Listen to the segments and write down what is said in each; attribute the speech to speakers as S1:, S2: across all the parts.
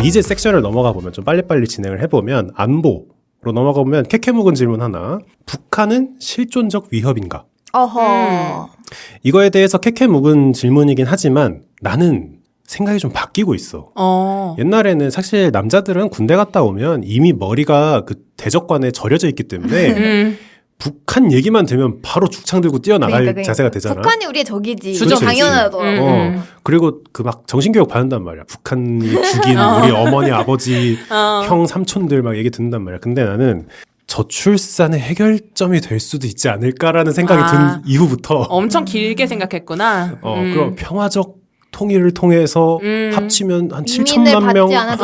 S1: 이제 섹션을 넘어가 보면 좀 빨리빨리 진행을 해보면 안보로 넘어가 보면 캐캐 묵은 질문 하나. 북한은 실존적 위협인가?
S2: 어허.
S1: 이거에 대해서 캐캐 묵은 질문이긴 하지만 나는 생각이 좀 바뀌고 있어. 옛날에는 사실 남자들은 군대 갔다 오면 이미 머리가 그 대적관에 절여져 있기 때문에 북한 얘기만 되면 바로 죽창 들고 뛰어나갈
S2: 그러니까.
S1: 자세가 되잖아.
S2: 북한이 우리의 적이지.
S1: 주적.
S2: 당연하더라고.
S1: 그리고 그 막 정신교육 받는단 말이야. 북한이 죽인 우리 어머니, 아버지, 형, 삼촌들 막 얘기 듣는단 말이야. 근데 나는 저출산의 해결점이 될 수도 있지 않을까라는 생각이 든 이후부터
S3: 엄청 길게 생각했구나.
S1: 그럼 평화적 통일을 통해서 합치면 한 7천만
S2: 이민을
S1: 명
S2: 받지 않아도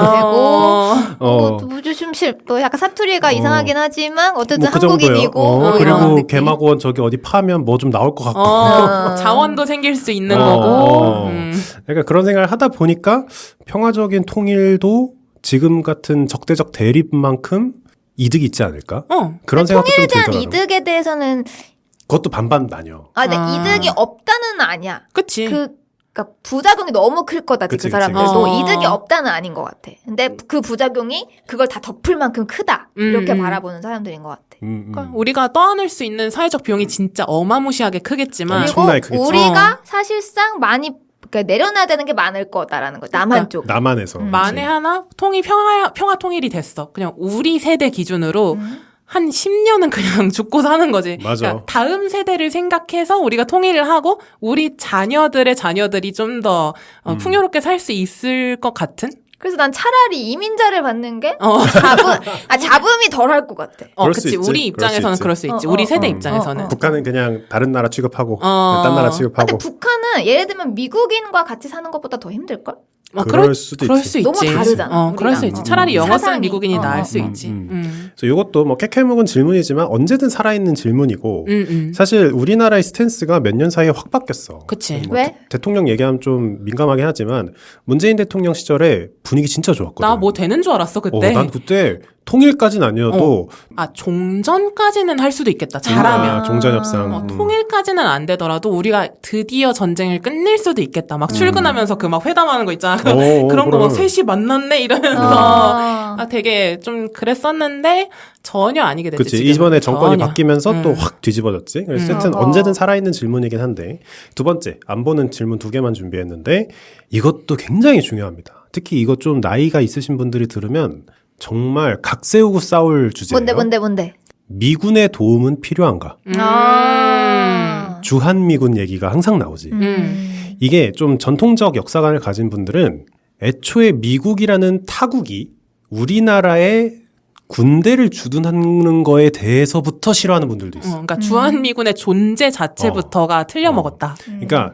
S2: 되고 무주심실 또 약간 사투리가 이상하긴 하지만 어쨌든
S1: 그
S2: 한국인이고
S1: 그리고 개마고원 저기 어디 파면 뭐 좀 나올 것 같고
S3: 자원도 생길 수 있는 거고
S1: 그러니까 그런 생각을 하다 보니까 평화적인 통일도 지금 같은 적대적 대립만큼 이득이 있지 않을까? 그런 생각도 좀
S2: 통일에 대한
S1: 들더라고요.
S2: 이득에 대해서는
S1: 그것도 반반 나뉘어.
S2: 근데 이득이 없다는 아니야.
S3: 그치.
S2: 그러니까 부작용이 너무 클 거다. 그 사람들도 이득이 없다는 아닌 것 같아. 근데 그 부작용이 그걸 다 덮을 만큼 크다. 이렇게 바라보는 사람들인 것 같아.
S3: 그러니까 우리가 떠안을 수 있는 사회적 비용이 진짜 어마무시하게 크겠지만
S2: 그리고 우리가 사실상 많이 그러니까 내려놔야 되는 게 많을 거다라는 거. 남한 쪽.
S1: 남한에서.
S3: 만에 하나 평화 통일이 됐어. 그냥 우리 세대 기준으로 한 10년은 그냥 죽고 사는 거지.
S1: 맞아.
S3: 그러니까 다음 세대를 생각해서 우리가 통일을 하고 우리 자녀들의 자녀들이 좀 더 풍요롭게 살 수 있을 것 같은?
S2: 그래서 난 차라리 이민자를 받는 게 잡음이 덜 할 것 같아.
S3: 그치. 우리 입장에서는 그럴 수 있지. 우리 세대 입장에서는.
S1: 북한은 그냥 다른 나라 취급하고 딴 나라 취급하고.
S2: 근데 북한은 예를 들면 미국인과 같이 사는 것보다 더 힘들걸?
S1: 그럴 수도 있지.
S2: 너무 다르잖아.
S3: 그럴 수 있지. 차라리 영어 쓰는 미국인이 나을 수 있지.
S1: 그래서 이것도 뭐 캐캐묵은 질문이지만 언제든 살아있는 질문이고 사실 우리나라의 스탠스가 몇 년 사이에 확 바뀌었어.
S3: 그치.
S1: 뭐
S2: 왜?
S1: 대통령 얘기하면 좀 민감하긴 하지만 문재인 대통령 시절에 분위기 진짜 좋았거든.
S3: 나 뭐 되는 줄 알았어 그때.
S1: 난 그때 통일까지는 아니어도
S3: 종전까지는 할 수도 있겠다. 잘하면.
S1: 종전협상.
S3: 통일까지는 안 되더라도 우리가 드디어 전쟁을 끝낼 수도 있겠다. 막 출근하면서 그 막 회담하는 거 있잖아. 그런 거 막 셋이 만났네 이러면서 되게 좀 그랬었는데 전혀 아니게 됐지.
S1: 그치. 이번에 정권이 바뀌면서 또 확 뒤집어졌지. 그래서 하여튼 언제든 살아있는 질문이긴 한데 두 번째 안보는 질문 2개만 준비했는데 이것도 굉장히 중요합니다. 특히 이거 좀 나이가 있으신 분들이 들으면 정말 각 세우고 싸울 주제예요.
S2: 뭔데?
S1: 미군의 도움은 필요한가? 주한미군 얘기가 항상 나오지. 이게 좀 전통적 역사관을 가진 분들은 애초에 미국이라는 타국이 우리나라에 군대를 주둔하는 거에 대해서부터 싫어하는 분들도 있어.
S3: 그러니까 주한미군의 존재 자체부터가 틀려먹었다.
S1: 그러니까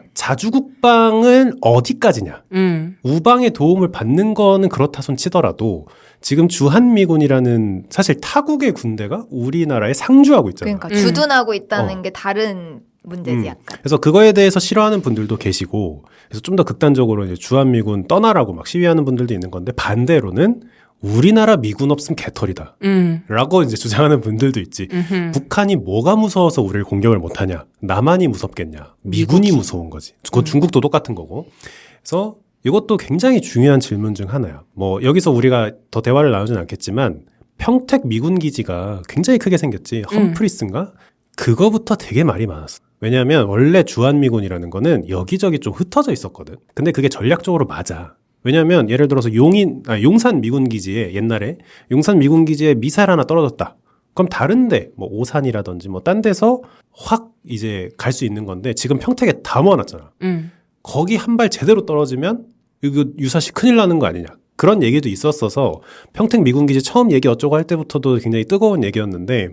S1: 자주국방은 어디까지냐. 우방의 도움을 받는 거는 그렇다 손 치더라도 지금 주한미군이라는 사실 타국의 군대가 우리나라에 상주하고 있잖아.
S2: 그러니까 주둔하고 있다는 게 다른 문제지 약간.
S1: 그래서 그거에 대해서 싫어하는 분들도 계시고 그래서 좀 더 극단적으로 이제 주한미군 떠나라고 막 시위하는 분들도 있는 건데 반대로는 우리나라 미군 없으면 개털이다. 라고 이제 주장하는 분들도 있지. 북한이 뭐가 무서워서 우리를 공격을 못하냐. 남한이 무섭겠냐. 미군이 무서운 거지. 그건 중국도 똑같은 거고. 그래서 이것도 굉장히 중요한 질문 중 하나야. 뭐 여기서 우리가 더 대화를 나누진 않겠지만 평택 미군 기지가 굉장히 크게 생겼지. 험프리스인가? 그거부터 되게 말이 많았어. 왜냐하면 원래 주한미군이라는 거는 여기저기 좀 흩어져 있었거든. 근데 그게 전략적으로 맞아. 왜냐하면 예를 들어서 용산 미군기지에 옛날에 용산 미군기지에 미사일 하나 떨어졌다. 그럼 다른데 뭐 오산이라든지 뭐 딴 데서 확 이제 갈 수 있는 건데 지금 평택에 다 모아놨잖아. 거기 한 발 제대로 떨어지면 이거 유사시 큰일 나는 거 아니냐. 그런 얘기도 있었어서 평택 미군기지 처음 얘기 어쩌고 할 때부터도 굉장히 뜨거운 얘기였는데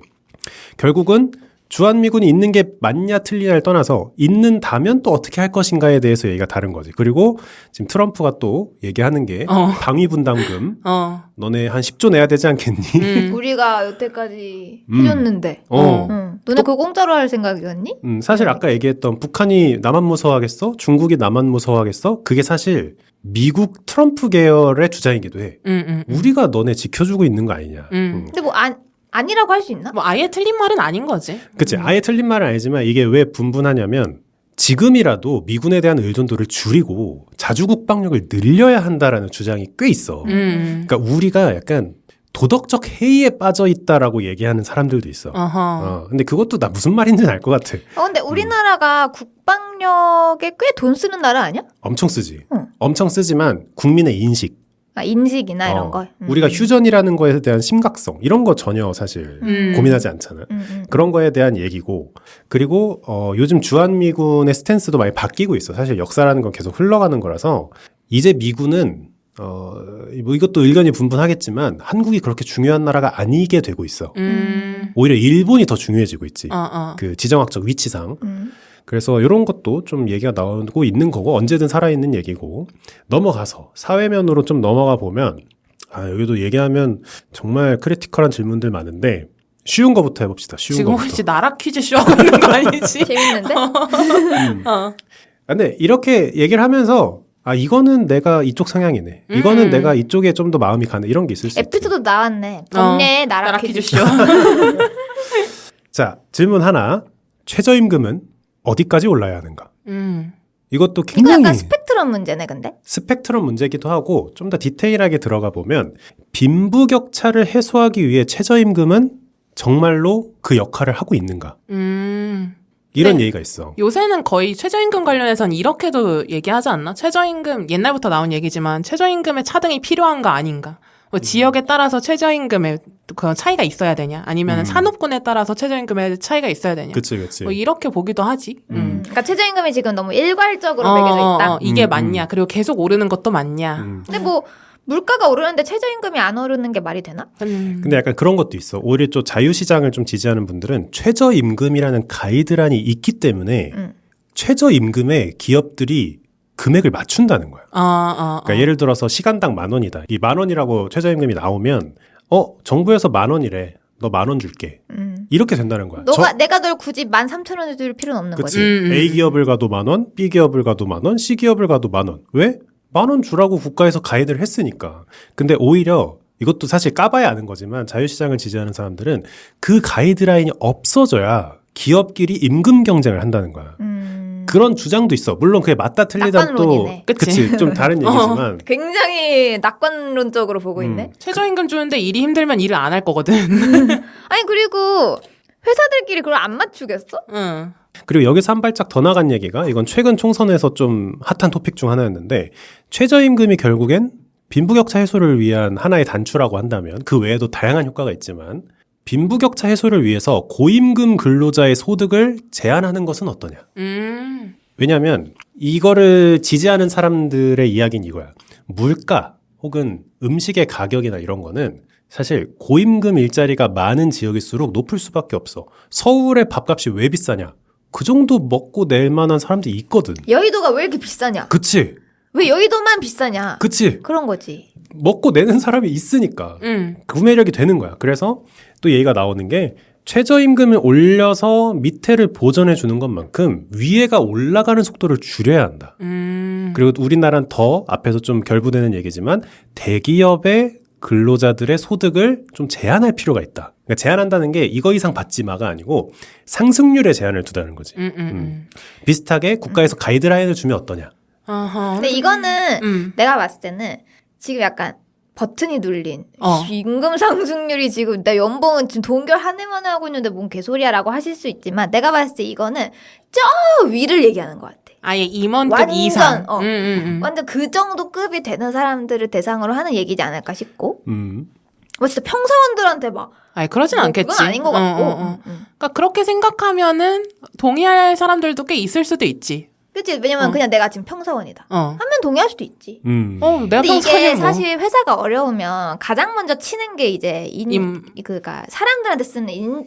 S1: 결국은 주한미군이 있는 게 맞냐 틀리냐를 떠나서 있는다면 또 어떻게 할 것인가에 대해서 얘기가 다른 거지. 그리고 지금 트럼프가 또 얘기하는 게 방위분담금 너네 한 10조 내야 되지 않겠니?
S2: 우리가 여태까지 해줬는데 너네 그거 공짜로 할 생각이었니?
S1: 사실 아까 얘기했던 북한이 나만 무서워하겠어? 중국이 나만 무서워하겠어? 그게 사실 미국 트럼프 계열의 주장이기도 해. 우리가 너네 지켜주고 있는 거 아니냐.
S2: 근데 뭐 아니라고 할 수 있나?
S3: 뭐 아예 틀린 말은 아닌 거지.
S1: 그치. 아예 틀린 말은 아니지만 이게 왜 분분하냐면 지금이라도 미군에 대한 의존도를 줄이고 자주 국방력을 늘려야 한다라는 주장이 꽤 있어. 그러니까 우리가 약간 도덕적 해이에 빠져 있다라고 얘기하는 사람들도 있어. 근데 그것도 나 무슨 말인지는 알 것 같아.
S2: 근데 우리나라가 국방력에 꽤 돈 쓰는 나라 아니야?
S1: 엄청 쓰지. 엄청 쓰지만 국민의 인식.
S2: 인식이나 이런 거.
S1: 우리가 휴전이라는 거에 대한 심각성 이런 거 전혀 사실 고민하지 않잖아. 그런 거에 대한 얘기고 그리고 요즘 주한미군의 스탠스도 많이 바뀌고 있어. 사실 역사라는 건 계속 흘러가는 거라서 이제 미군은 뭐 이것도 의견이 분분하겠지만 한국이 그렇게 중요한 나라가 아니게 되고 있어. 오히려 일본이 더 중요해지고 있지. 그 지정학적 위치상. 그래서 이런 것도 좀 얘기가 나오고 있는 거고 언제든 살아있는 얘기고 넘어가서 사회면으로 좀 넘어가 보면 여기도 얘기하면 정말 크리티컬한 질문들 많은데 쉬운 거부터 해봅시다. 쉬운
S3: 지금
S1: 거부터.
S3: 혹시 나라 퀴즈 쇼 하고 있는 거 아니지?
S2: 재밌는데?
S1: 근데 이렇게 얘기를 하면서 이거는 내가 이쪽 성향이네. 이거는 내가 이쪽에 좀 더 마음이 가네. 이런 게 있을 수 있지.
S2: 에피소드 나왔네. 정례 나라 퀴즈 쇼.
S1: 자, 질문 하나. 최저임금은 어디까지 올라야 하는가? 이것도
S2: 이거
S1: 굉장히
S2: 약간 스펙트럼 문제네, 근데?
S1: 스펙트럼 문제이기도 하고 좀 더 디테일하게 들어가 보면 빈부격차를 해소하기 위해 최저임금은 정말로 그 역할을 하고 있는가? 이런
S3: 네.
S1: 얘기가 있어.
S3: 요새는 거의 최저임금 관련해서는 이렇게도 얘기하지 않나? 최저임금, 옛날부터 나온 얘기지만 최저임금의 차등이 필요한가 아닌가? 뭐 지역에 따라서 최저임금의 그 차이가 있어야 되냐? 아니면 산업군에 따라서 최저임금의 차이가 있어야 되냐?
S1: 그치, 그치.
S3: 뭐 이렇게 보기도 하지.
S2: 그러니까 최저임금이 지금 너무 일괄적으로 매겨져 있다.
S3: 이게 맞냐? 그리고 계속 오르는 것도 맞냐?
S2: 근데 뭐 물가가 오르는데 최저임금이 안 오르는 게 말이 되나?
S1: 근데 약간 그런 것도 있어. 오히려 좀 자유시장을 좀 지지하는 분들은 최저임금이라는 가이드라인이 있기 때문에 최저임금에 기업들이 금액을 맞춘다는 거야. 그러니까 예를 들어서 시간당 10,000원이다. 이 10,000원이라고 최저임금이 나오면 정부에서 10,000원이래. 너 10,000원 줄게. 이렇게 된다는 거야.
S2: 내가 널 굳이 13,000원을 줄 필요는 없는
S1: 그치.
S2: 거지.
S1: A 기업을 가도 10,000원, B 기업을 가도 10,000원, C 기업을 가도 10,000원. 왜? 10,000원 주라고 국가에서 가이드를 했으니까. 근데 오히려 이것도 사실 까봐야 아는 거지만 자유시장을 지지하는 사람들은 그 가이드라인이 없어져야 기업끼리 임금 경쟁을 한다는 거야. 그런 주장도 있어. 물론 그게 맞다 틀리다 또
S2: 낙관론이네.
S1: 그치 좀 다른 얘기지만
S2: 굉장히 낙관론적으로 보고 있네.
S3: 최저임금 주는데 일이 힘들면 일을 안 할 거거든.
S2: 아니 그리고 회사들끼리 그걸 안 맞추겠어?
S3: 응.
S1: 그리고 여기서 한 발짝 더 나간 얘기가 이건 최근 총선에서 좀 핫한 토픽 중 하나였는데 최저임금이 결국엔 빈부격차 해소를 위한 하나의 단추라고 한다면 그 외에도 다양한 효과가 있지만 빈부격차 해소를 위해서 고임금 근로자의 소득을 제한하는 것은 어떠냐. 왜냐하면 이거를 지지하는 사람들의 이야기는 이거야. 물가 혹은 음식의 가격이나 이런 거는 사실 고임금 일자리가 많은 지역일수록 높을 수밖에 없어. 서울의 밥값이 왜 비싸냐? 그 정도 먹고 낼 만한 사람들이 있거든.
S2: 여의도가 왜 이렇게 비싸냐?
S1: 그치?
S2: 왜 여의도만 비싸냐?
S1: 그치?
S2: 그런 거지.
S1: 먹고 내는 사람이 있으니까 구매력이 되는 거야. 그래서 또 얘기가 나오는 게 최저임금을 올려서 밑에를 보전해 주는 것만큼 위에가 올라가는 속도를 줄여야 한다. 그리고 우리나라는 더 앞에서 좀 결부되는 얘기지만 대기업의 근로자들의 소득을 좀 제한할 필요가 있다. 그러니까 제한한다는 게 이거 이상 받지 마가 아니고 상승률에 제한을 두다는 거지. 비슷하게 국가에서 가이드라인을 주면 어떠냐.
S2: 근데 이거는 내가 봤을 때는 지금 약간 버튼이 눌린 임금 상승률이 지금 내 연봉은 지금 동결 한 해만에 하고 있는데 뭔 개소리야라고 하실 수 있지만 내가 봤을 때 이거는 저 위를 얘기하는 것 같아.
S3: 아예 임원급
S2: 완전,
S3: 이상.
S2: 완전 그 정도 급이 되는 사람들을 대상으로 하는 얘기지 않을까 싶고. 뭐 진짜 평사원들한테 막.
S3: 아니 그러진 않겠지.
S2: 그건 아닌 것 같고.
S3: 그러니까 그렇게 생각하면은 동의할 사람들도 꽤 있을 수도 있지.
S2: 그치? 왜냐면 그냥 내가 지금 평사원이다. 하면 동의할 수도 있지.
S3: 내가
S2: 근데 이게
S3: 평사원이면 뭐.
S2: 사실 회사가 어려우면 가장 먼저 치는 게 이제 그니까 사람들한테 쓰는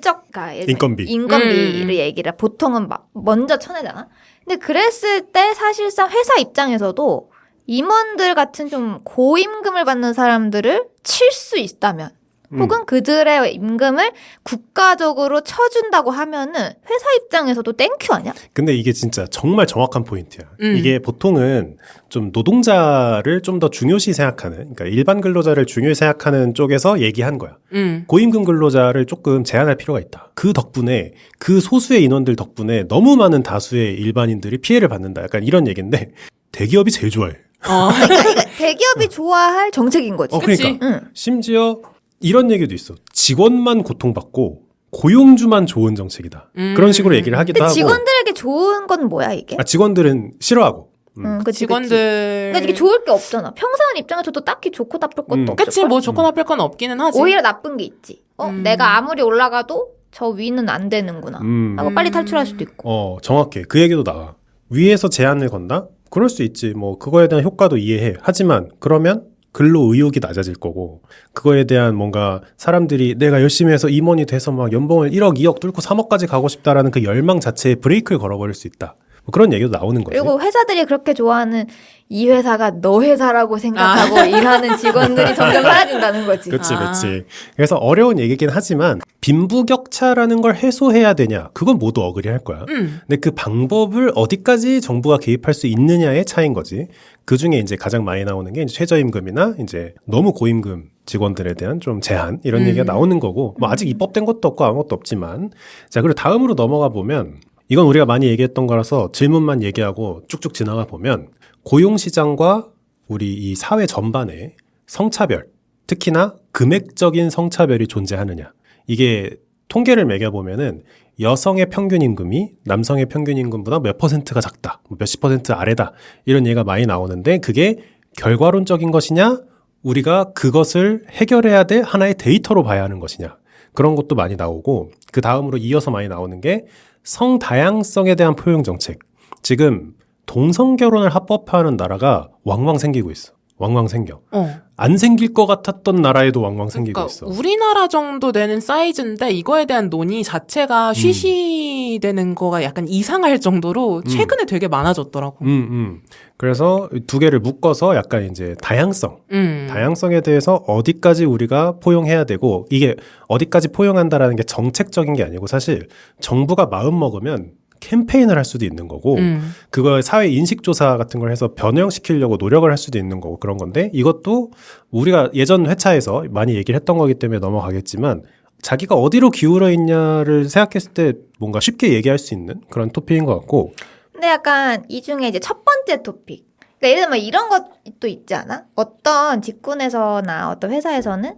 S2: 인건비를 얘기를 보통은 막 먼저 쳐내잖아. 근데 그랬을 때 사실상 회사 입장에서도 임원들 같은 좀 고임금을 받는 사람들을 칠 수 있다면 혹은 그들의 임금을 국가적으로 쳐준다고 하면은 회사 입장에서도 땡큐 아니야?
S1: 근데 이게 진짜 정말 정확한 포인트야. 이게 보통은 좀 노동자를 좀 더 중요시 생각하는, 그러니까 일반 근로자를 중요시 생각하는 쪽에서 얘기한 거야. 고임금 근로자를 조금 제한할 필요가 있다. 그 덕분에 그 소수의 인원들 덕분에 너무 많은 다수의 일반인들이 피해를 받는다. 약간 이런 얘기인데 대기업이 제일 좋아해.
S2: 그러니까 대기업이 좋아할 정책인 거지.
S1: 그러니까 심지어 이런 얘기도 있어. 직원만 고통받고 고용주만 좋은 정책이다. 그런 식으로 얘기를 하기도
S2: 근데
S1: 하고.
S2: 직원들에게 좋은 건 뭐야 이게?
S1: 직원들은 싫어하고.
S2: 그치,
S3: 직원들.
S2: 그러니까 이게 좋을 게 없잖아. 평사원 입장에서도 딱히 좋고 나쁠 것도 없고.
S3: 그치, 뭐 좋고 나쁠 건 없기는 하지.
S2: 오히려 나쁜 게 있지. 내가 아무리 올라가도 저 위는 안 되는구나. 하고 빨리 탈출할 수도 있고.
S1: 정확해. 그 얘기도 나와. 위에서 제한을 건다? 그럴 수 있지. 뭐 그거에 대한 효과도 이해해. 하지만 그러면 근로 의욕이 낮아질 거고, 그거에 대한 뭔가 사람들이 내가 열심히 해서 임원이 돼서 막 연봉을 1억, 2억 뚫고 3억까지 가고 싶다라는 그 열망 자체에 브레이크를 걸어버릴 수 있다. 뭐 그런 얘기도 나오는 거지.
S2: 그리고 회사들이 그렇게 좋아하는 이 회사가 너 회사라고 생각하고 일하는 직원들이 점점 사라진다는 거지.
S1: 그치. 그래서 어려운 얘기긴 하지만 빈부격차라는 걸 해소해야 되냐? 그건 모두 어그리할 거야. 근데 그 방법을 어디까지 정부가 개입할 수 있느냐의 차이인 거지. 그 중에 이제 가장 많이 나오는 게 이제 최저임금이나 이제 너무 고임금 직원들에 대한 좀 제한 이런 얘기가 나오는 거고, 뭐 아직 입법된 것도 없고 아무것도 없지만, 자 그리고 다음으로 넘어가 보면. 이건 우리가 많이 얘기했던 거라서 질문만 얘기하고 쭉쭉 지나가 보면 고용시장과 우리 이 사회 전반에 성차별, 특히나 금액적인 성차별이 존재하느냐. 이게 통계를 매겨보면은 여성의 평균 임금이 남성의 평균 임금보다 몇 퍼센트가 작다, 몇십 퍼센트 아래다 이런 얘기가 많이 나오는데 그게 결과론적인 것이냐 우리가 그것을 해결해야 될 하나의 데이터로 봐야 하는 것이냐 그런 것도 많이 나오고 그 다음으로 이어서 많이 나오는 게 성다양성에 대한 포용 정책. 지금 동성결혼을 합법화하는 나라가 왕왕 생기고 있어. 왕왕 생겨. 안 생길 것 같았던 나라에도 왕왕 생기고 있어.
S3: 우리나라 정도 되는 사이즈인데 이거에 대한 논의 자체가 쉬쉬되는 거가 약간 이상할 정도로 최근에 되게 많아졌더라고.
S1: 그래서 두 개를 묶어서 약간 이제 다양성에 대해서 어디까지 우리가 포용해야 되고 이게 어디까지 포용한다라는 게 정책적인 게 아니고 사실 정부가 마음 먹으면 캠페인을 할 수도 있는 거고 그걸 사회 인식조사 같은 걸 해서 변형시키려고 노력을 할 수도 있는 거고 그런 건데 이것도 우리가 예전 회차에서 많이 얘기를 했던 거기 때문에 넘어가겠지만 자기가 어디로 기울어 있냐를 생각했을 때 뭔가 쉽게 얘기할 수 있는 그런 토픽인 것 같고
S2: 근데 약간 이 중에 이제 첫 번째 토픽 그러니까 예를 들면 이런 것도 있지 않아? 어떤 직군에서나 어떤 회사에서는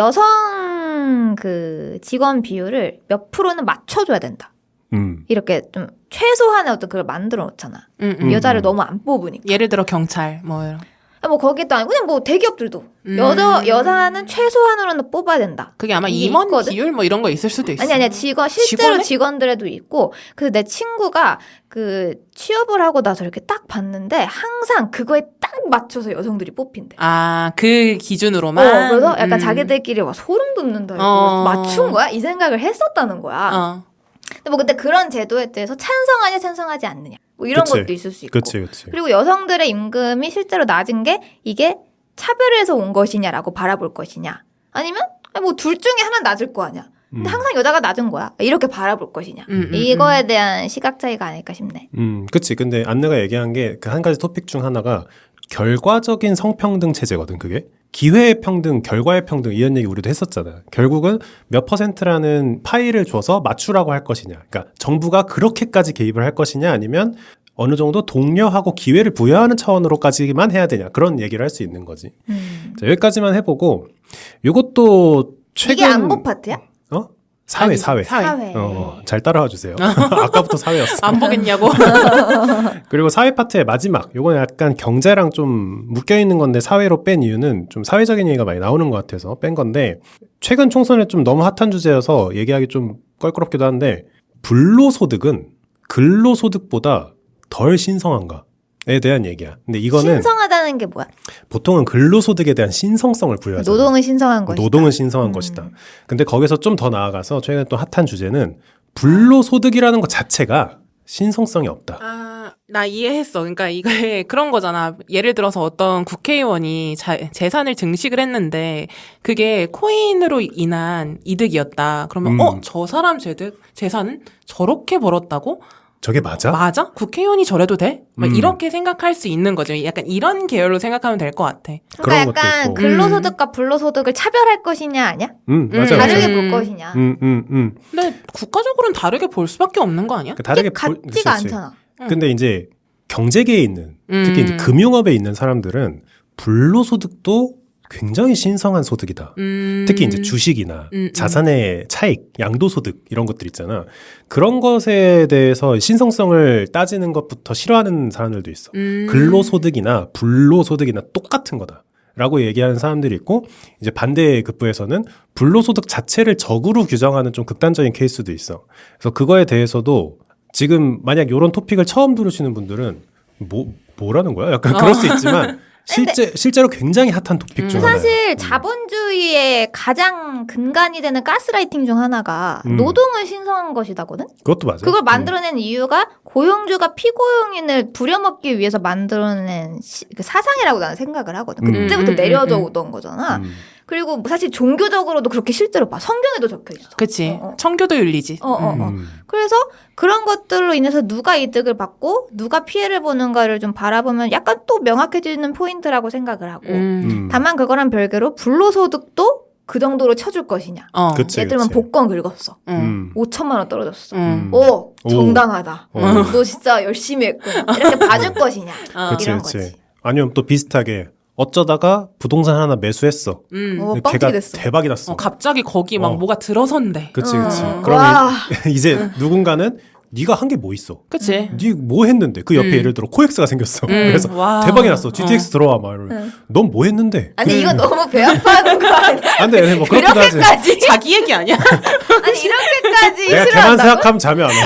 S2: 여성 그 직원 비율을 몇 프로는 맞춰줘야 된다. 이렇게 좀 최소한의 어떤 그걸 만들어 놓잖아. 여자를 너무 안 뽑으니까.
S3: 예를 들어 경찰 뭐 이런.
S2: 뭐 거기도 아니고 그냥 뭐 대기업들도 여자는 최소한으로는 뽑아야 된다.
S3: 그게 아마 임원 있거든? 비율 뭐 이런 거 있을 수도 있어.
S2: 아니야 실제로 직원들에도 있고 그래서 내 친구가 그 취업을 하고 나서 이렇게 딱 봤는데 항상 그거에 딱 맞춰서 여성들이 뽑힌대.
S3: 그 기준으로만.
S2: 그래서 약간 자기들끼리 와 소름 돋는다 이거 맞춘 거야? 이 생각을 했었다는 거야. 근데 그런 제도에 대해서 찬성하냐 찬성하지 않느냐 뭐 이런 것도 있을 수 있고
S1: 그치.
S2: 그리고 여성들의 임금이 실제로 낮은 게 이게 차별해서 온 것이냐라고 바라볼 것이냐 아니면 뭐 둘 중에 하나 낮을 거 아니야 근데 항상 여자가 낮은 거야 이렇게 바라볼 것이냐 이거에 대한 시각 차이가 아닐까 싶네.
S1: 그치. 근데 안내가 얘기한 게 그 한 가지 토픽 중 하나가 결과적인 성평등 체제거든 그게. 기회의 평등, 결과의 평등 이런 얘기 우리도 했었잖아. 결국은 몇 퍼센트라는 파이를 줘서 맞추라고 할 것이냐. 그러니까 정부가 그렇게까지 개입을 할 것이냐 아니면 어느 정도 독려하고 기회를 부여하는 차원으로까지만 해야 되냐. 그런 얘기를 할 수 있는 거지. 자, 여기까지만 해보고 이것도 최근
S2: 이게 안보 파트야?
S1: 사회. 잘 따라와 주세요. 아까부터 사회였어.
S3: 안 보겠냐고.
S1: 그리고 사회 파트의 마지막. 요건 약간 경제랑 좀 묶여있는 건데 사회로 뺀 이유는 좀 사회적인 얘기가 많이 나오는 것 같아서 뺀 건데 최근 총선에 좀 너무 핫한 주제여서 얘기하기 좀 껄끄럽기도 한데 불로소득은 근로소득보다 덜 신성한가? 에 대한 얘기야. 근데 이거는
S2: 신성하다는 게 뭐야?
S1: 보통은 근로소득에 대한 신성성을 부여하잖아.
S2: 노동은 신성한 것이다.
S1: 노동은 신성한 것이다. 근데 거기서 좀 더 나아가서 최근에 또 핫한 주제는 불로소득이라는 것 자체가 신성성이 없다.
S3: 나 이해했어. 그러니까 이게 그런 거잖아. 예를 들어서 어떤 국회의원이 재산을 증식을 했는데 그게 코인으로 인한 이득이었다. 그러면 저 사람 재산은 저렇게 벌었다고?
S1: 저게 맞아?
S3: 맞아? 국회의원이 저래도 돼? 막 이렇게 생각할 수 있는 거죠. 약간 이런 계열로 생각하면 될 것 같아.
S2: 그러니까 약간 근로소득과 불로소득을 차별할 것이냐 아니야?
S1: 맞아,
S2: 다르게 볼 것이냐.
S3: 근데 국가적으로는 다르게 볼 수밖에 없는 거 아니야?
S1: 다르게
S2: 같지가 않잖아.
S1: 근데 이제 경제계에 있는 특히 이제 금융업에 있는 사람들은 불로소득도 굉장히 신성한 소득이다. 특히 이제 주식이나 자산의 차익, 양도소득 이런 것들 있잖아. 그런 것에 대해서 신성성을 따지는 것부터 싫어하는 사람들도 있어. 근로소득이나 불로소득이나 똑같은 거다. 라고 얘기하는 사람들이 있고, 이제 반대 급부에서는 불로소득 자체를 적으로 규정하는 좀 극단적인 케이스도 있어. 그래서 그거에 대해서도 지금 만약 이런 토픽을 처음 들으시는 분들은 뭐라는 거야? 약간 그럴 수 있지만 실제로 굉장히 핫한 토픽 중 하나예요.
S2: 사실 자본주의의 가장 근간이 되는 가스라이팅 중 하나가 노동은 신성한 것이다거든?
S1: 그것도 맞아요.
S2: 그걸 만들어낸 이유가 고용주가 피고용인을 부려먹기 위해서 만들어낸 그 사상이라고 나는 생각을 하거든. 그때부터 내려져 오던 거잖아. 그리고 사실 종교적으로도 그렇게 실제로 봐. 성경에도 적혀 있어.
S3: 그치. 청교도 윤리지.
S2: 그래서 그런 것들로 인해서 누가 이득을 받고 누가 피해를 보는가를 좀 바라보면 약간 또 명확해지는 포인트라고 생각을 하고 다만 그거랑 별개로 불로소득도 그 정도로 쳐줄 것이냐.
S1: 그치,
S2: 예를 들면
S1: 그치.
S2: 복권 긁었어. 5천만 원 떨어졌어.
S1: 오,
S2: 정당하다. 너 진짜 열심히 했구나. 이렇게 봐줄 것이냐. 이런 거지.
S1: 아니면 또 비슷하게 어쩌다가 부동산 하나 매수했어.
S2: 뻥튀기 됐어.
S1: 대박이 났어.
S3: 갑자기 거기 막 뭐가 들어선대.
S1: 그치. 그러면 이제 누군가는 네가 한 게 뭐 있어?
S3: 그치.
S1: 네 뭐 했는데? 그 옆에 예를 들어 코엑스가 생겼어. 그래서 대박이 났어. GTX 들어와 막 이러면 넌 뭐 했는데?
S2: 아니 이건 너무 배 아파하는 거 아니야?
S1: 안 돼, 뭐 그렇게도 하지.
S3: 이렇게까지? 자기 얘기 아니야?
S2: 아니 이렇게까지
S1: 내가 걔만 생각하면 잠이 안 와.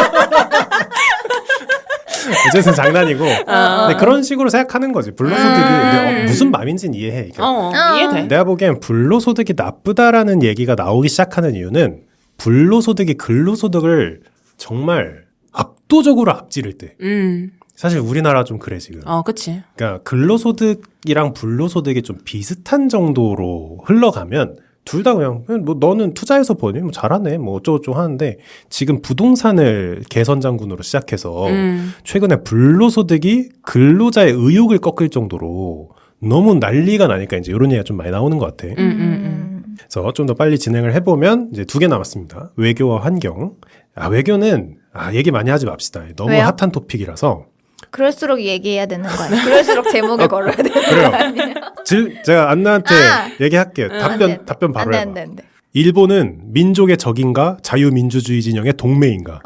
S1: 어쨌든 장난이고. 근데 그런 식으로 생각하는 거지. 불로소득이 무슨 마음인지는 이해해.
S3: 이해돼.
S1: 내가 보기엔 불로소득이 나쁘다라는 얘기가 나오기 시작하는 이유는 불로소득이 근로소득을 정말 압도적으로 앞지를 때. 사실 우리나라 좀 그래 지금.
S3: 그치.
S1: 그러니까 근로소득이랑 불로소득이 좀 비슷한 정도로 흘러가면 둘 다 그냥 뭐 너는 투자해서 버니 뭐 잘하네 뭐 어쩌고저쩌고 하는데 지금 부동산을 개선장군으로 시작해서 최근에 불로소득이 근로자의 의욕을 꺾을 정도로 너무 난리가 나니까 이제 이런 얘기가 좀 많이 나오는 것 같아. 그래서 좀 더 빨리 진행을 해보면 이제 2개 남았습니다. 외교와 환경. 외교는 얘기 많이 하지 맙시다. 너무
S2: 왜요?
S1: 핫한 토픽이라서.
S2: 그럴수록 얘기해야 되는 거 아니야? 그럴수록 제목에 걸어야 되는 거 아니야?
S1: 제가 안나한테 얘기할게요. 답변 바로 해봐.
S2: 안 돼.
S1: 일본은 민족의 적인가 자유민주주의 진영의 동맹인가?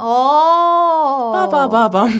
S3: 빠바바밤.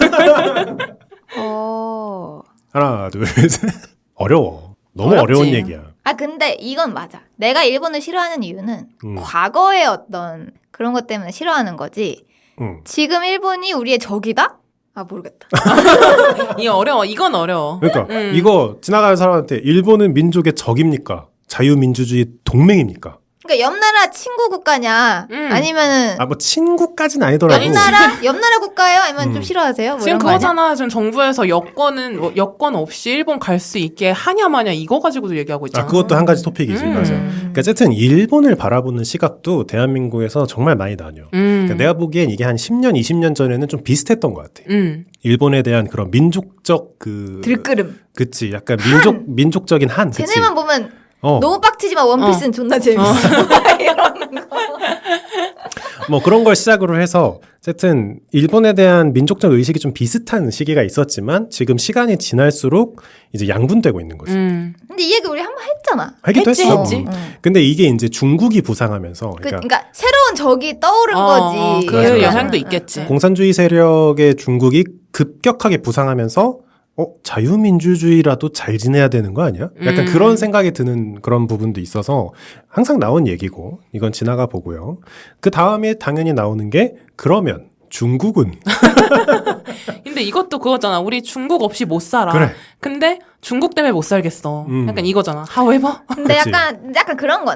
S1: 하나 둘 셋. 어려워. 너무
S3: 어렵지.
S1: 어려운 얘기야.
S2: 근데 이건 맞아. 내가 일본을 싫어하는 이유는 과거의 어떤 그런 것 때문에 싫어하는 거지. 지금 일본이 우리의 적이다? 모르겠다.
S3: 이건 어려워.
S1: 그러니까 이거 지나가는 사람한테 일본은 민족의 적입니까? 자유민주주의 동맹입니까?
S2: 그러니까 옆나라 친구 국가냐? 아니면은
S1: 뭐 친구까지는 아니더라도
S2: 옆나라 국가예요? 아니면 좀 싫어하세요? 뭐
S3: 지금
S2: 이런 거
S3: 그거잖아.
S2: 아니야?
S3: 지금 정부에서 여권 없이 일본 갈 수 있게 하냐 마냐 이거 가지고도 얘기하고 있잖아.
S1: 그것도 한 가지 토픽이지. 맞아. 그러니까 어쨌든 일본을 바라보는 시각도 대한민국에서 정말 많이 나뉘어. 그러니까 내가 보기엔 이게 한 10년, 20년 전에는 좀 비슷했던 것 같아. 일본에 대한 그런 민족적
S2: 들끓음.
S1: 그치. 약간 민족적인 한. 그치.
S2: 쟤네만 보면 너무 빡치지만 원피스는 존나 재밌어. 이런 거.
S1: 뭐 그런 걸 시작으로 해서 어쨌든 일본에 대한 민족적 의식이 좀 비슷한 시기가 있었지만 지금 시간이 지날수록 이제 양분되고 있는 거지.
S2: 근데 이 얘기 우리 한번 했잖아.
S1: 하기도 했어.
S3: 했지.
S1: 근데 이게 이제 중국이 부상하면서
S2: 그러니까 새로운 적이 떠오른 거지.
S3: 그
S1: 맞아.
S3: 영향도 있겠지.
S1: 공산주의 세력의 중국이 급격하게 부상하면서 자유민주주의라도 잘 지내야 되는 거 아니야? 약간 그런 생각이 드는 그런 부분도 있어서 항상 나온 얘기고 이건 지나가 보고요. 그 다음에 당연히 나오는 게 그러면 중국은
S3: 근데 이것도 그거잖아. 우리 중국 없이 못 살아.
S1: 그래.
S3: 근데 중국 때문에 못 살겠어. 약간 이거잖아. However.
S2: 근데
S1: 그치.
S2: 약간 그런 거네.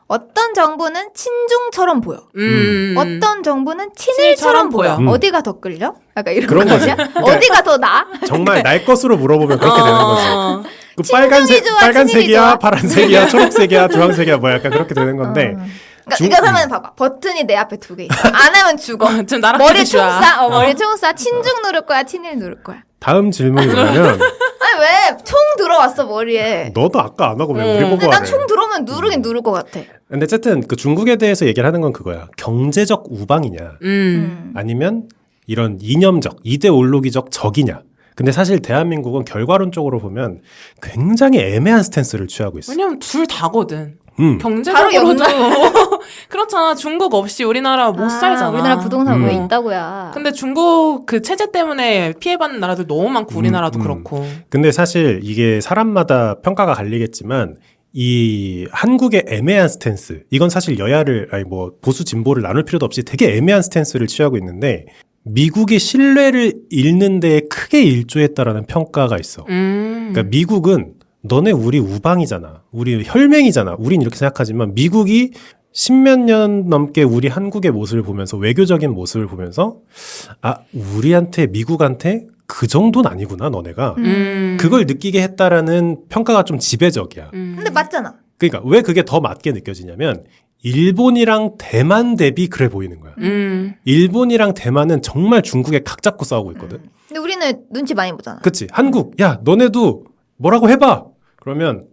S2: 어떤 정부는 친중처럼 보여. 어떤 정부는 친일처럼 보여. 어디가 더 끌려? 약간 이런
S1: 그런 거지.
S2: 어디가 더 나아?
S1: 정말 날 것으로 물어보면 그렇게 되는 거지. 그 빨간색이야,
S2: 좋아?
S1: 파란색이야, 초록색이야, 주황색이야, 뭐 약간 그렇게 되는 건데.
S2: 그러니까 그러면 봐봐. 버튼이 내 앞에 2개 있어. 안 하면 죽어.
S3: 지금 나랑
S2: 머리 총 쏴. 머리 총 쏴. 친중 누를 거야, 친일 누를 거야.
S1: 다음 질문이 뭐냐면
S2: 아니 왜 총 들어왔어 머리에.
S1: 너도 아까 안 하고 왜 우리 보고 하래.
S2: 난 총 들어오면 누르긴 누를 것 같아.
S1: 근데 어쨌든 그 중국에 대해서 얘기를 하는 건 그거야. 경제적 우방이냐 아니면 이런 이념적, 이데올로기적 적이냐. 근데 사실 대한민국은 결과론적으로 보면 굉장히 애매한 스탠스를 취하고 있어.
S3: 왜냐면 둘 다거든.
S2: 바로
S3: 경제적으로도 그렇잖아. 중국 없이 우리나라 못 살잖아.
S2: 우리나라 부동산 왜 있다고야.
S3: 근데 중국 그 체제 때문에 피해받는 나라들 너무 많고 우리나라도 그렇고.
S1: 근데 사실 이게 사람마다 평가가 갈리겠지만 이 한국의 애매한 스탠스, 이건 사실 여야를 아니 뭐 보수 진보를 나눌 필요도 없이 되게 애매한 스탠스를 취하고 있는데 미국의 신뢰를 잃는 데에 크게 일조했다라는 평가가 있어. 그러니까 미국은 너네 우리 우방이잖아. 우리 혈맹이잖아. 우린 이렇게 생각하지만 미국이 10몇 년 넘게 우리 한국의 모습을 보면서 외교적인 모습을 보면서 아 우리한테 미국한테 그 정도는 아니구나 너네가. 그걸 느끼게 했다라는 평가가 좀 지배적이야.
S2: 근데 맞잖아.
S1: 그러니까 왜 그게 더 맞게 느껴지냐면 일본이랑 대만 대비 그래 보이는 거야. 일본이랑 대만은 정말 중국에 각 잡고 싸우고 있거든.
S2: 근데 우리는 눈치 많이 보잖아.
S1: 그치. 한국 야 너네도 뭐라고 해봐. 그러면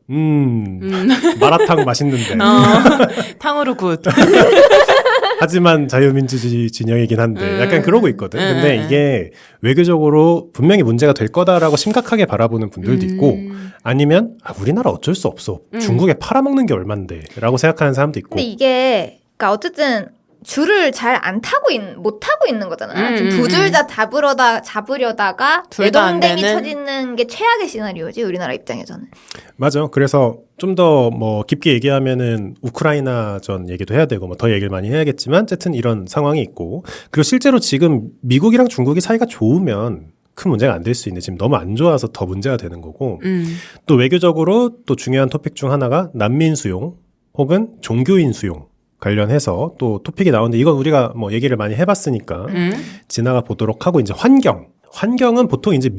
S1: 마라탕 맛있는데.
S3: 탕후루 굿.
S1: 하지만 자유민주주의 진영이긴 한데 약간 그러고 있거든. 근데 이게 외교적으로 분명히 문제가 될 거다라고 심각하게 바라보는 분들도 있고 아니면 우리나라 어쩔 수 없어. 중국에 팔아먹는 게 얼만데 라고 생각하는 사람도 있고.
S2: 근데 이게 그러니까 어쨌든 줄을 잘 안 타고 못 타고 있는 거잖아. 두 줄 다 잡으려다가 내동댕이 쳐지는 게 최악의 시나리오지 우리나라 입장에서는.
S1: 맞아. 그래서 좀 더 뭐 깊게 얘기하면은 우크라이나전 얘기도 해야 되고 뭐 더 얘기를 많이 해야겠지만 어쨌든 이런 상황이 있고 그리고 실제로 지금 미국이랑 중국이 사이가 좋으면 큰 문제가 안 될 수 있는데 지금 너무 안 좋아서 더 문제가 되는 거고 또 외교적으로 또 중요한 토픽 중 하나가 난민 수용 혹은 종교인 수용 관련해서 또 토픽이 나오는데 이건 우리가 뭐 얘기를 많이 해봤으니까 지나가 보도록 하고 이제 환경은 보통 이제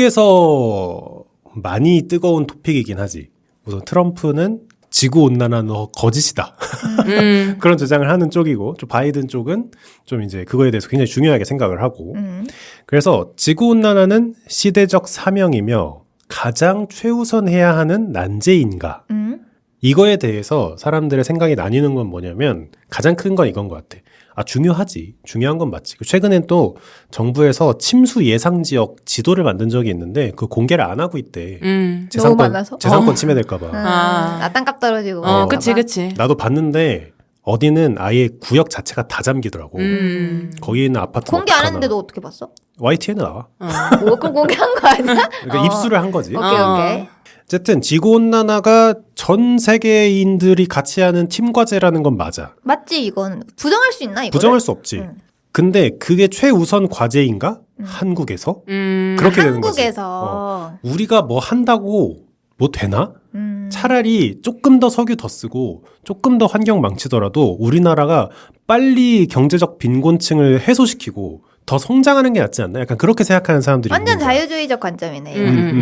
S1: 미국에서 많이 뜨거운 토픽이긴 하지. 우선 트럼프는 지구온난화는 거짓이다. 그런 주장을 하는 쪽이고 좀 바이든 쪽은 좀 이제 그거에 대해서 굉장히 중요하게 생각을 하고 그래서 지구온난화는 시대적 사명이며 가장 최우선해야 하는 난제인가 이거에 대해서 사람들의 생각이 나뉘는 건 뭐냐면 가장 큰 건 이건 것 같아. 중요하지. 중요한 건 맞지. 최근엔 또 정부에서 침수 예상 지역 지도를 만든 적이 있는데 그 공개를 안 하고 있대.
S2: 너무 많아서?
S1: 재산권 침해될까 봐.
S2: 나 땅값 떨어지고.
S3: 그치.
S1: 나도 봤는데 어디는 아예 구역 자체가 다 잠기더라고. 거기 있는 아파트
S2: 공개 안 했는데도 어떻게 봤어?
S1: YTN에 나와.
S2: 뭐 그걸 공개한 거 아니야?
S1: 그러니까 입수를 한 거지.
S2: 오케이.
S1: 어쨌든 지구온난화가 전 세계인들이 같이 하는 팀 과제라는 건 맞아.
S2: 맞지 이건. 부정할 수 있나 이거?
S1: 부정할 수 없지. 근데 그게 최우선 과제인가? 한국에서? 그렇게 되는 거지.
S2: 한국에서.
S1: 우리가 뭐 한다고 뭐 되나? 차라리 조금 더 석유 더 쓰고 조금 더 환경 망치더라도 우리나라가 빨리 경제적 빈곤층을 해소시키고 더 성장하는 게 낫지 않나? 약간 그렇게 생각하는 사람들이
S2: 완전
S1: 있는 거야.
S2: 자유주의적 관점이네.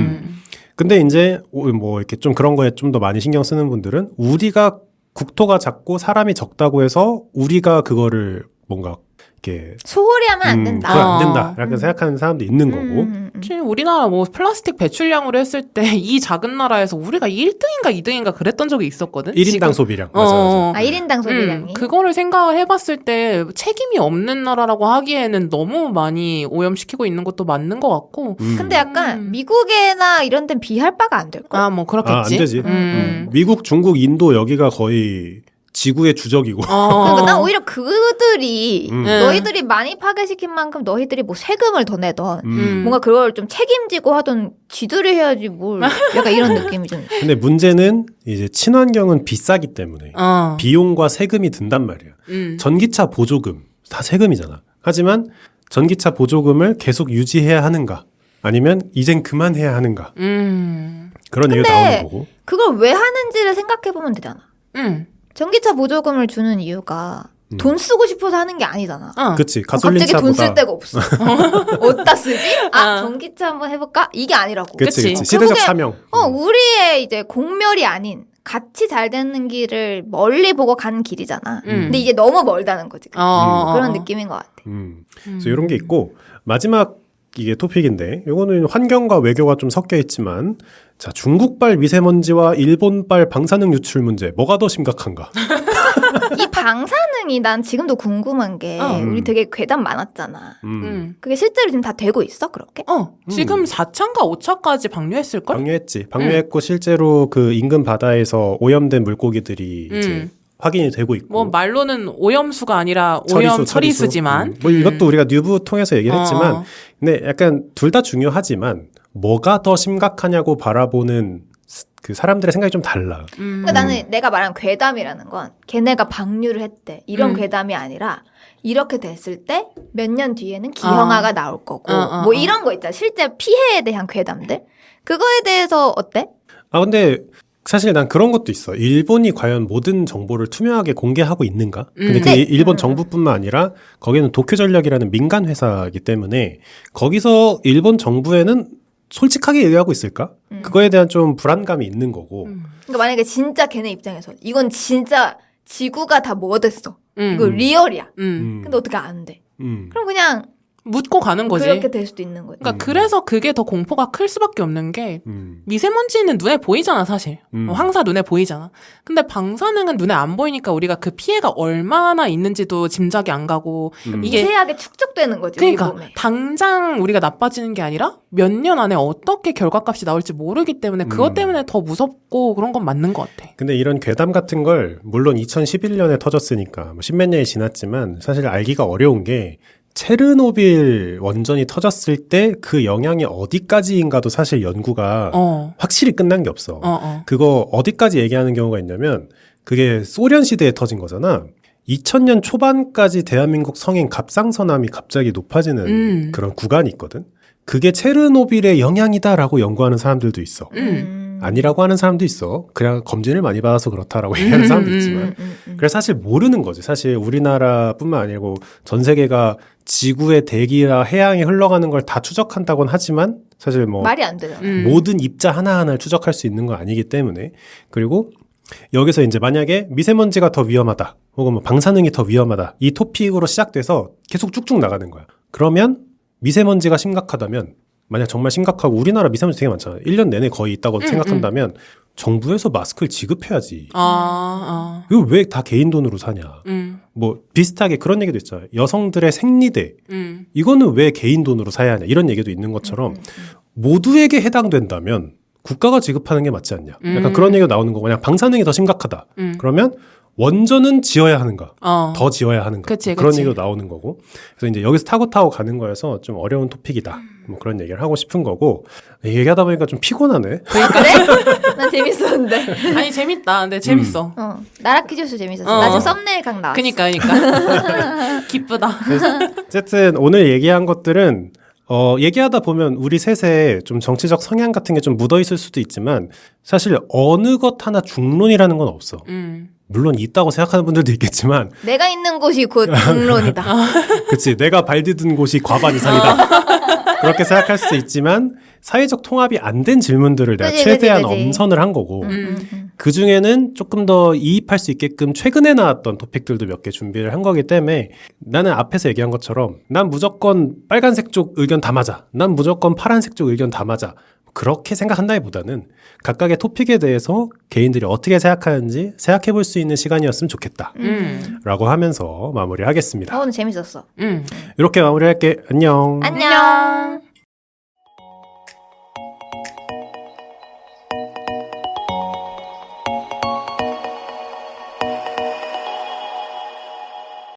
S1: 근데 이제 뭐 이렇게 좀 그런 거에 좀 더 많이 신경 쓰는 분들은 우리가 국토가 작고 사람이 적다고 해서 우리가 그거를 뭔가 이렇게
S2: 소홀히 하면 안 된다.
S1: 그건 안 된다. 이렇게 생각하는 사람도 있는 거고.
S3: 우리나라 뭐 플라스틱 배출량으로 했을 때 이 작은 나라에서 우리가 1등인가 2등인가 그랬던 적이 있었거든.
S1: 1인당
S3: 지금.
S1: 소비량. 맞아.
S2: 1인당 소비량이.
S3: 그거를 생각을 해봤을 때 책임이 없는 나라라고 하기에는 너무 많이 오염시키고 있는 것도 맞는 것 같고.
S2: 근데 약간 미국이나 이런 데는 비할 바가 안 될걸?
S3: 뭐 그렇겠지.
S1: 안 되지. 미국, 중국, 인도 여기가 거의 지구의 주적이고.
S2: 그러니까 난 오히려 그들이 너희들이 많이 파괴시킨 만큼 너희들이 뭐 세금을 더 내던 뭔가 그걸 좀 책임지고 하던 지들이 해야지 뭘 약간 이런 느낌이 좀.
S1: 근데 문제는 이제 친환경은 비싸기 때문에 비용과 세금이 든단 말이야. 전기차 보조금 다 세금이잖아. 하지만 전기차 보조금을 계속 유지해야 하는가? 아니면 이젠 그만해야 하는가? 그런 얘기가 나오는 거고.
S2: 그걸 왜 하는지를 생각해 보면 되잖아. 전기차 보조금을 주는 이유가 돈 쓰고 싶어서 하는 게 아니잖아.
S1: 그치.
S2: 갑자기 돈 쓸 데가 없어. 어디다 쓰지? 전기차 한번 해볼까? 이게 아니라고.
S1: 그치. 시대적 사명.
S2: 우리의 이제 공멸이 아닌 같이 잘 되는 길을 멀리 보고 가는 길이잖아. 근데 이게 너무 멀다는 거지. 그런 느낌인 것 같아.
S1: 그래서 이런 게 있고 마지막 이게 토픽인데 이거는 환경과 외교가 좀 섞여 있지만 자 중국발 미세먼지와 일본발 방사능 유출 문제 뭐가 더 심각한가?
S2: 이 방사능이 난 지금도 궁금한 게 우리 되게 괴담 많았잖아. 그게 실제로 지금 다 되고 있어 그렇게?
S3: 지금 4차인가 5차까지 방류했을걸?
S1: 방류했고 실제로 그 인근 바다에서 오염된 물고기들이 이제 확인이 되고 있고.
S3: 뭐 말로는 오염수가 아니라 처리수지만.
S1: 뭐 이것도 우리가 뉴브 통해서 얘기를 했지만, 근데 약간 둘 다 중요하지만 뭐가 더 심각하냐고 바라보는 그 사람들의 생각이 좀 달라.
S2: 그러니까 나는 내가 말한 괴담이라는 건 걔네가 방류를 했대 이런 괴담이 아니라 이렇게 됐을 때 몇 년 뒤에는 기형아가 나올 거고 뭐 이런 거 있잖아. 실제 피해에 대한 괴담들. 그거에 대해서 어때?
S1: 근데 사실 난 그런 것도 있어. 일본이 과연 모든 정보를 투명하게 공개하고 있는가? 근데 그 일본 정부뿐만 아니라 거기는 도쿄전력이라는 민간 회사이기 때문에 거기서 일본 정부에는 솔직하게 얘기하고 있을까? 그거에 대한 좀 불안감이 있는 거고.
S2: 그러니까 만약에 진짜 걔네 입장에서 이건 진짜 지구가 다 뭐 됐어. 이거 리얼이야. 근데 어떻게 안 돼? 그럼 그냥
S3: 묻고 가는 거지.
S2: 그렇게 될 수도 있는 거지.
S3: 그러니까 그래서 그게 더 공포가 클 수밖에 없는 게 미세먼지는 눈에 보이잖아 사실. 황사 눈에 보이잖아. 근데 방사능은 눈에 안 보이니까 우리가 그 피해가 얼마나 있는지도 짐작이 안 가고 이게
S2: 미세하게 축적되는 거지.
S3: 그러니까
S2: 우리 몸에.
S3: 당장 우리가 나빠지는 게 아니라 몇 년 안에 어떻게 결과값이 나올지 모르기 때문에 그것 때문에 더 무섭고 그런 건 맞는 것 같아.
S1: 근데 이런 괴담 같은 걸 물론 2011년에 터졌으니까 뭐 10몇 년이 지났지만 사실 알기가 어려운 게 체르노빌 원전이 터졌을 때 그 영향이 어디까지인가도 사실 연구가 확실히 끝난 게 없어. 그거 어디까지 얘기하는 경우가 있냐면 그게 소련 시대에 터진 거잖아. 2000년 초반까지 대한민국 성인 갑상선암이 갑자기 높아지는 그런 구간이 있거든. 그게 체르노빌의 영향이다라고 연구하는 사람들도 있어. 아니라고 하는 사람도 있어. 그냥 검진을 많이 받아서 그렇다라고 얘기하는 사람도 있지만. 그래서 사실 모르는 거지. 사실 우리나라뿐만 아니고 전 세계가 지구의 대기와 해양에 흘러가는 걸 다 추적한다고는 하지만 사실 뭐
S2: 말이 안 되잖아.
S1: 모든 입자 하나하나를 추적할 수 있는 건 아니기 때문에. 그리고 여기서 이제 만약에 미세먼지가 더 위험하다 혹은 뭐 방사능이 더 위험하다 이 토픽으로 시작돼서 계속 쭉쭉 나가는 거야. 그러면 미세먼지가 심각하다면 만약 정말 심각하고 우리나라 미세먼지 되게 많잖아. 1년 내내 거의 있다고 생각한다면 정부에서 마스크를 지급해야지. 이거 왜 다 개인 돈으로 사냐. 뭐 비슷하게 그런 얘기도 있잖아요. 여성들의 생리대. 이거는 왜 개인 돈으로 사야 하냐. 이런 얘기도 있는 것처럼 모두에게 해당된다면 국가가 지급하는 게 맞지 않냐. 약간 그런 얘기가 나오는 거고 그냥 방사능이 더 심각하다. 그러면 원전은 지어야 하는가? 더 지어야 하는가? 그런 얘기도 나오는 거고. 그래서 이제 여기서 타고 가는 거여서 좀 어려운 토픽이다. 뭐 그런 얘기를 하고 싶은 거고. 얘기하다 보니까 좀 피곤하네.
S2: 그래? 난 재밌었는데.
S3: 아니 재밌다. 근데 재밌어.
S2: 나라 퀴즈쇼 재밌었어. 나 지금 썸네일 각 나왔어.
S3: 그니까. 기쁘다.
S1: 어쨌든 오늘 얘기한 것들은 얘기하다 보면 우리 셋의 좀 정치적 성향 같은 게 좀 묻어 있을 수도 있지만 사실 어느 것 하나 중론이라는 건 없어. 물론 있다고 생각하는 분들도 있겠지만
S2: 내가 있는 곳이 곧 중론이다.
S1: 그치. 내가 발 디딘 곳이 과반 이상이다. 그렇게 생각할 수 있지만 사회적 통합이 안 된 질문들을 내가 최대한 엄선을 한 거고 그중에는 조금 더 이입할 수 있게끔 최근에 나왔던 토픽들도 몇 개 준비를 한 거기 때문에 나는 앞에서 얘기한 것처럼 난 무조건 빨간색 쪽 의견 다 맞아. 난 무조건 파란색 쪽 의견 다 맞아. 그렇게 생각한다기보다는 각각의 토픽에 대해서 개인들이 어떻게 생각하는지 생각해 볼 수 있는 시간이었으면 좋겠다. 라고 하면서 마무리하겠습니다.
S2: 오늘 재밌었어.
S1: 이렇게 마무리할게. 안녕.
S2: 안녕.